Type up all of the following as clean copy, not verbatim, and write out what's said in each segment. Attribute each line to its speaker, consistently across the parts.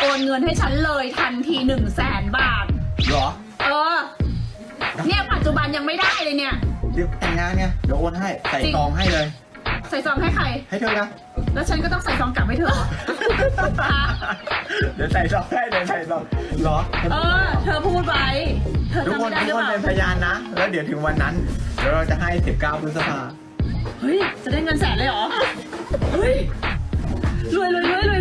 Speaker 1: โอนเงินให้ฉันเลยทันที100,000 บาท
Speaker 2: เหรอ
Speaker 1: เนี่ยปัจจุบันยังไม่ได้เลยเนี่ย
Speaker 2: เดี๋ยวแต่งงานเนี่ยเดี๋ยวโอนให้ใส่ซองให้เลย
Speaker 1: ใส่ซองให้ใคร
Speaker 2: ให้เธอนะ
Speaker 1: แล้วฉันก็ต้องใส่ซองกลับให้เธอ
Speaker 2: เดี๋ยวใส่ซองให้เดี๋ยวใส่ซองเหรอ
Speaker 1: เธอพูดไว้เธอจำไม่ได้หรือเปล่า
Speaker 2: เป็นพยานนะแล้วเดี๋ยวถึงวันนั้นเดี๋ยวเราจะให้19 พฤษภา
Speaker 1: เฮ้ยจะได้เงิน100,000เลยเหรอเฮ้ยรวย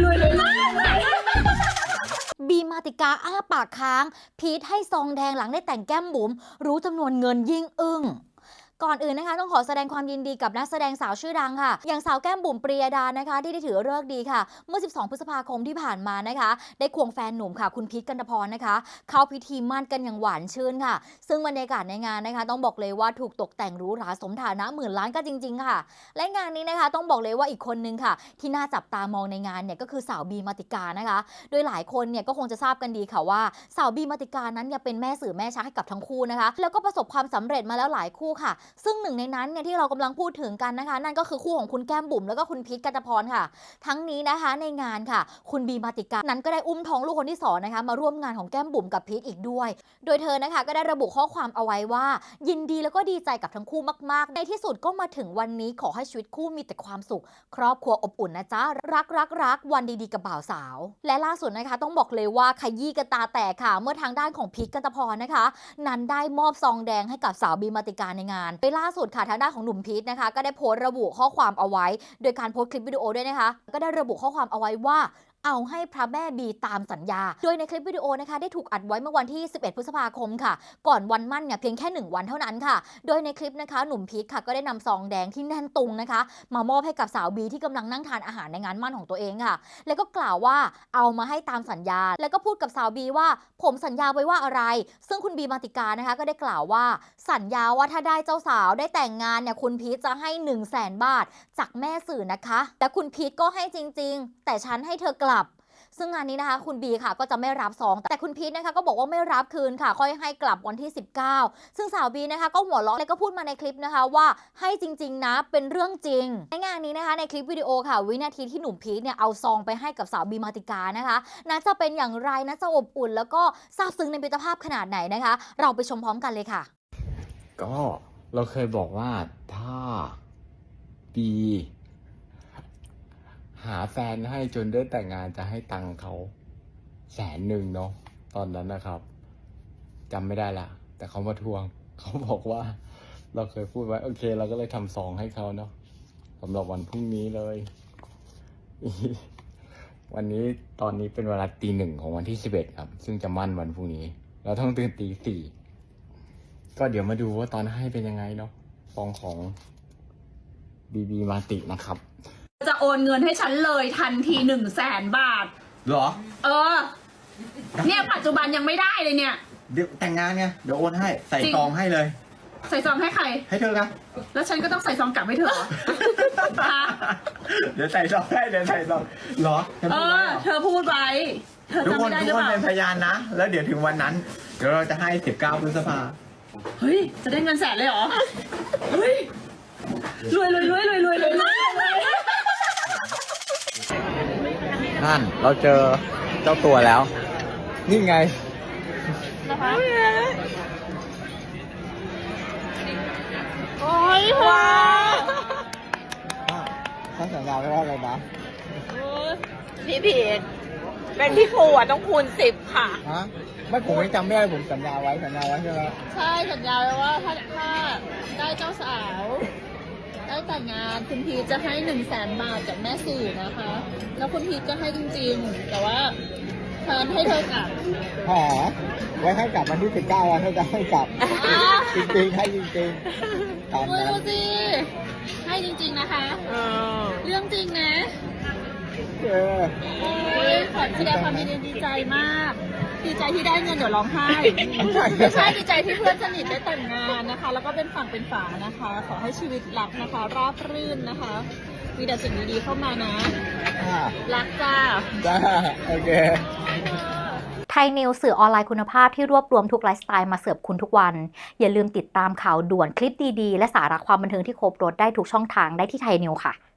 Speaker 3: บีมาติกาอ้าปากค้างพีทให้ซองแดงหลังได้แต่งแก้มบุ๋มรู้จำนวนเงินยิ่งอึ้งก่อนอื่นนะคะต้องขอแสดงความยินดีกับนักแสดงสาวชื่อดังค่ะอย่างสาวแก้มบุ๋มปรียดานะคะที่ได้ถือฤกษ์ดีค่ะเมื่อ12 พฤษภาคมที่ผ่านมานะคะได้ควงแฟนหนุ่มค่ะคุณพีทกันตพรนะคะเข้าพิธีมั่นกันอย่างหวานชื่นค่ะซึ่งบรรยากาศในงานนะคะต้องบอกเลยว่าถูกตกแต่งหรูหราสมฐานะหมื่นล้านก็จริงๆค่ะและงานนี้นะคะต้องบอกเลยว่าอีกคนนึงค่ะที่น่าจับตามองในงานเนี่ยก็คือสาวบีมาติกานะคะโดยหลายคนเนี่ยก็คงจะทราบกันดีค่ะว่าสาวบีมาติกานั้นเนี่ยเป็นแม่สื่อแม่ชักให้กับทั้งคู่นะคะแล้วก็ประสบความสำเร็จมาแล้วหลายคู่ค่ะซึ่งหนึ่งในนั้นที่เรากำลังพูดถึงกันนะคะนั่นก็คือคู่ของคุณแก้มบุ๋มแล้วก็คุณพีทกันตพรค่ะทั้งนี้นะคะในงานค่ะคุณบีมาติกานั้นก็ได้อุ้มท้องลูกคนที่2นะคะมาร่วมงานของแก้มบุ๋มกับพีทอีกด้วยโดยเธอนะคะก็ได้ระบุข้อความเอาไว้ว่ายินดีแล้วก็ดีใจกับทั้งคู่มากๆในที่สุดก็มาถึงวันนี้ขอให้ชีวิตคู่มีแต่ความสุขครอบครัวอบอุ่นนะจ๊ะรักวันดีๆกับบ่าวสาวและล่าสุดนะคะต้องบอกเลยว่าขยี้กันตาแตกค่ะเมื่อทางด้านของพีทกันตพรนะคะนั้นได้มอบซองแดงให้กับสาวบีมาติกาในงานโดยล่าสุดค่ะทางด้านของหนุ่มพีทนะคะก็ได้โพสต์ระบุข้อความเอาไว้โดยการโพสต์คลิปวิดีโอด้วยนะคะก็ได้ระบุข้อความเอาไว้ว่าเอาให้พระแม่บีตามสัญญาโดยในคลิปวิดีโอนะคะได้ถูกอัดไว้เมื่อวันที่11 พฤษภาคมค่ะก่อนวันมั่นเนี่ยเพียงแค่1 วันเท่านั้นค่ะโดยในคลิปนะคะหนุ่มพีทค่ะก็ได้นำซองแดงที่แน่นตุงนะคะมามอบให้กับสาวบีที่กำลังนั่งทานอาหารในงานมั่นของตัวเองค่ะแล้วก็กล่าวว่าเอามาให้ตามสัญญาแล้วก็พูดกับสาวบีว่าผมสัญญาไว้ว่าอะไรซึ่งคุณบีมาติกานะคะก็ได้กล่าวว่าสัญญาว่าถ้าได้เจ้าสาวได้แต่งงานเนี่ยคุณพีทจะให้100,000 บาทจากแม่สื่อนะคะแต่คุณพีทก็ให้จริงๆแต่ฉันให้เธอกลับซึ่งงานนี้นะคะคุณบีค่ะก็จะไม่รับซองแต่คุณพีทนะคะก็บอกว่าไม่รับคืนค่ะค่อยให้กลับวันที่19ซึ่งสาวบีนะคะก็หัวเราะและก็พูดมาในคลิปนะคะว่าให้จริงๆนะเป็นเรื่องจริงในงานนี้นะคะในคลิปวิดีโอค่ะวินาทีที่หนุ่มพีทเนี่ยเอาซองไปให้กับสาวบีมาติกานะคะน่าจะเป็นอย่างไรน่าจะอบอุ่นแล้วก็ซาบซึ้งในมิตรภาพขนาดไหนนะคะเราไปชมพร้อมกันเลยค่ะ
Speaker 4: ก็เราเคยบอกว่าถ้าบีหาแฟนให้จนได้แต่งงานจะให้ตังค์เขา100,000เนาะตอนนั้นนะครับจำไม่ได้ละแต่เขามาทวงเขาบอกว่าเราเคยพูดไว้โอเคเราก็เลยทำซองให้เขาเนาะสำหรับวันพรุ่งนี้เลยวันนี้ตอนนี้เป็นเวลาตี 1ของวันที่11ครับซึ่งจะมั่นวันพรุ่งนี้เราต้องตื่นตี 4ก็เดี๋ยวมาดูว่าตอนให้เป็นยังไงเนาะซองของบีมาตินะครับ
Speaker 1: จะโอนเงินให้ฉันเลยทันที100,000 บาท
Speaker 2: เหรอ
Speaker 1: เนี่ยปัจจุบันยังไม่ได้เลยเนี่ย
Speaker 2: เดี๋ยวแต่งงานเนี่ยเดี๋ยวโอนให้ใส่ซองให้เลย
Speaker 1: ใส่ซองให้ใคร
Speaker 2: ให้เธอนะ
Speaker 1: แล้วฉันก็ต้องใส่ซองกลับให้เธอ
Speaker 2: เดี๋ยวใส่ซองให้เดี๋ยวใส่ซองเหรอ
Speaker 1: เธอพูดไว้เธอจำไม่ได้หรือเปล่า
Speaker 2: เป็นพยานนะแล้วเดี๋ยวถึงวันนั้นเดี๋ยวเราจะให้19 พฤษภา
Speaker 1: เฮ้ยจะได้เงิน100,000เลยเหรอเฮ้ยรวย
Speaker 4: นั่นเราเจอเจ้าตัวแล้วนี่ไง
Speaker 1: นะคะโอ้ยว้า
Speaker 2: ท่านสัญญาไว้ว่าอะไรนะ
Speaker 5: พี่ผิดเป็นพี่ครูต้องคูณ10ค่ะ
Speaker 2: ฮะไม่ผมไม่จำไม่ได้ผมสัญญาไว้ใช่ไหม
Speaker 1: ใช่สัญญาไว้ว่าถ้าได้เจ้าสาวได้แต่งงานคุณพีทจะให้100,000 บาทจากแม่สื่อนะคะแล้วคุณพีทก็ให้จริงๆแต่ว่าแทนให้เธอกลับ
Speaker 2: ไว้ให้กลับวันที่19วันให้จะให้กลับจริงๆให้จริงๆ
Speaker 1: ดูสิให้จริงๆนะคะเรื่องจริงนะโอ้ยขอแสดงความดีใจมากดีใจที่ได้เงินเดี๋ยวร้องไห้ไม่ใช่ดีใจที่เพื่อนสนิทได้แต่งงานนะคะแล้วก็เป็นฝั่งเป็นฝานะคะขอให้ชีวิตรักนะคะราบรื่นนะคะมีแต่สิ่งดีๆเข้ามานะรักจ้า
Speaker 2: โอเค
Speaker 3: ไทยนิวสื่อออนไลน์คุณภาพที่รวบรวมทุกไลฟ์สไตล์มาเสิร์ฟคุณทุกวันอย่าลืมติดตามข่าวด่วนคลิปดีๆและสาระความบันเทิงที่ครบรสได้ทุกช่องทางได้ที่ไทยนิวค่ะ